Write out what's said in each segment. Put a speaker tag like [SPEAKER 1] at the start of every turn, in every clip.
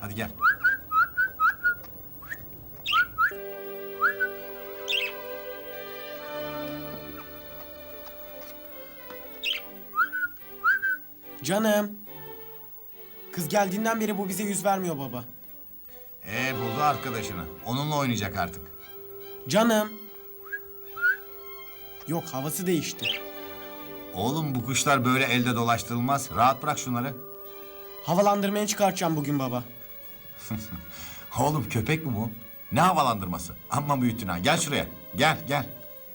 [SPEAKER 1] Hadi gel.
[SPEAKER 2] Canım. Kız geldiğinden beri bu bize yüz vermiyor baba.
[SPEAKER 1] Buldu arkadaşını. Onunla oynayacak artık.
[SPEAKER 2] Canım. Yok, havası değişti.
[SPEAKER 1] Oğlum bu kuşlar böyle elde dolaştırılmaz. Rahat bırak şunları.
[SPEAKER 2] Havalandırmaya çıkartacağım bugün baba.
[SPEAKER 1] Oğlum köpek mi bu? Ne havalandırması? Amma büyüttün ha. Gel şuraya. Gel gel.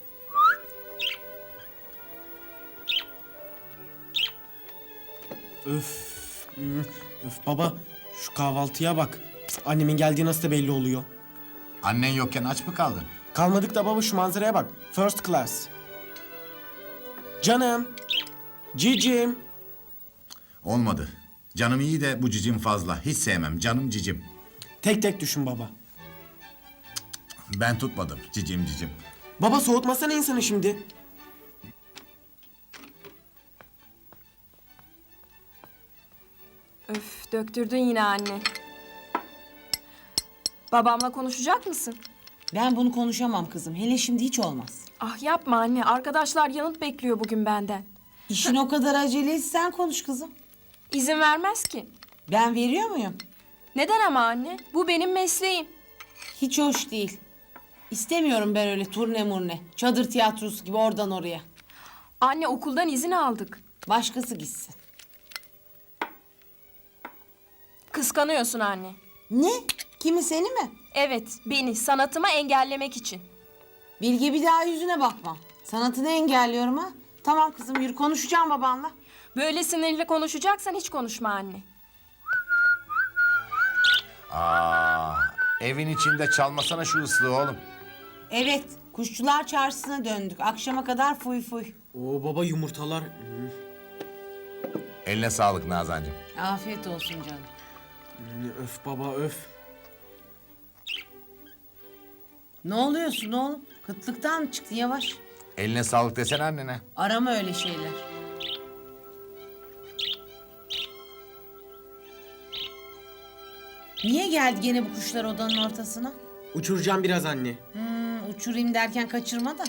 [SPEAKER 2] Öf. Öf baba, şu kahvaltıya bak. Annemin geldiği nasıl da belli oluyor.
[SPEAKER 1] Annen yokken aç mı kaldın?
[SPEAKER 2] Kalmadık da baba, şu manzaraya bak. First class. Canım. Cicim.
[SPEAKER 1] Olmadı. Canım iyi de bu cicim fazla. Hiç sevmem. Canım cicim.
[SPEAKER 2] Tek tek düşün baba.
[SPEAKER 1] Ben tutmadım. Cicim cicim.
[SPEAKER 2] Baba, soğutmasana insanı şimdi.
[SPEAKER 3] Öf, döktürdün yine anne. Babamla konuşacak mısın?
[SPEAKER 4] Ben bunu konuşamam kızım. Hele şimdi hiç olmaz.
[SPEAKER 3] Ah yapma anne, arkadaşlar yanıt bekliyor bugün benden.
[SPEAKER 4] İşin o kadar aceleyse sen konuş kızım.
[SPEAKER 3] İzin vermez ki.
[SPEAKER 4] Ben veriyor muyum?
[SPEAKER 3] Neden ama anne? Bu benim mesleğim.
[SPEAKER 4] Hiç hoş değil. İstemiyorum ben öyle turne murne. Çadır tiyatrosu gibi oradan oraya.
[SPEAKER 3] Anne, okuldan izin aldık.
[SPEAKER 4] Başkası gitsin.
[SPEAKER 3] Kıskanıyorsun anne.
[SPEAKER 4] Ne? Kimi, seni mi?
[SPEAKER 3] Evet, beni sanatımı engellemek için.
[SPEAKER 4] Bilge, bir daha yüzüne bakmam. Sanatını engelliyorum ha. Tamam kızım, yürü, konuşacağım babanla.
[SPEAKER 3] Böyle sinirli konuşacaksan hiç konuşma anne.
[SPEAKER 1] Evin içinde çalmasana şu ıslığı oğlum.
[SPEAKER 4] Evet, kuşçular çarşısına döndük. Akşama kadar fuy fuy.
[SPEAKER 2] Oo baba, yumurtalar.
[SPEAKER 1] Eline sağlık Nazancığım.
[SPEAKER 4] Afiyet olsun canım.
[SPEAKER 2] Öf baba, öf.
[SPEAKER 4] Ne oluyorsun oğlum? Kıtlıktan mı çıktın, yavaş?
[SPEAKER 1] Eline sağlık desene annene.
[SPEAKER 4] Arama öyle şeyler. Niye geldi gene bu kuşlar odanın ortasına?
[SPEAKER 2] Uçuracağım biraz anne.
[SPEAKER 4] Uçurayım derken kaçırma da.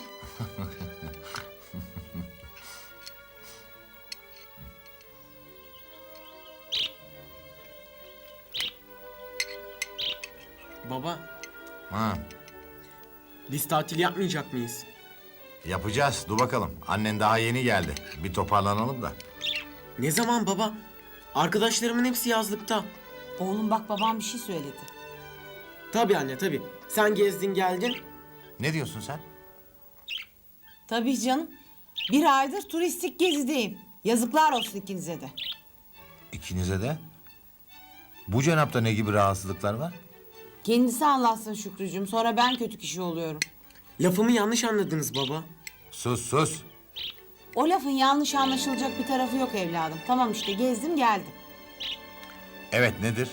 [SPEAKER 2] Baba,
[SPEAKER 1] Ha,
[SPEAKER 2] biz tatil yapmayacak mıyız?
[SPEAKER 1] yapacağız. Dur bakalım. Annen daha yeni geldi. Bir toparlanalım da.
[SPEAKER 2] Ne zaman baba? Arkadaşlarımın hepsi yazlıkta.
[SPEAKER 4] Oğlum bak, babam bir şey söyledi.
[SPEAKER 2] Tabii anne, tabii. Sen gezdin geldin.
[SPEAKER 1] Ne diyorsun sen?
[SPEAKER 4] Tabii canım. Bir aydır turistik gezideyim. Yazıklar olsun ikinize de.
[SPEAKER 1] İkinize de. Bu cenapta ne gibi rahatsızlıklar var?
[SPEAKER 4] Kendisi anlatsın Şükrücüğüm. Sonra ben kötü kişi oluyorum.
[SPEAKER 2] Lafımı yanlış anladınız baba.
[SPEAKER 1] Sus sus.
[SPEAKER 4] O lafın yanlış anlaşılacak bir tarafı yok evladım. Tamam işte, gezdim geldim.
[SPEAKER 1] Evet, nedir?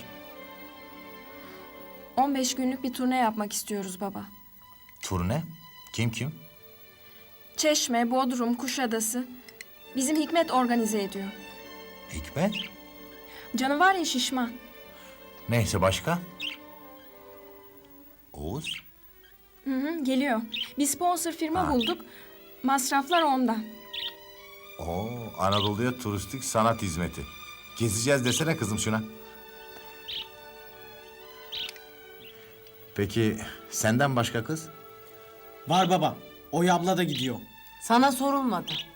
[SPEAKER 3] 15 günlük bir turne yapmak istiyoruz baba.
[SPEAKER 1] Turne? Kim kim?
[SPEAKER 3] Çeşme, Bodrum, Kuşadası. Bizim Hikmet organize ediyor.
[SPEAKER 1] Hikmet?
[SPEAKER 3] Canı var ya, şişman.
[SPEAKER 1] Neyse, başka? Oğuz?
[SPEAKER 3] Geliyor. Bir sponsor firma
[SPEAKER 1] Ha.
[SPEAKER 3] bulduk. Masraflar ondan.
[SPEAKER 1] Oo, Anadolu'ya turistik sanat hizmeti. Gezeceğiz desene kızım şuna. Peki senden başka kız?
[SPEAKER 2] Var baba. Oy abla da gidiyor.
[SPEAKER 4] Sana sorulmadı.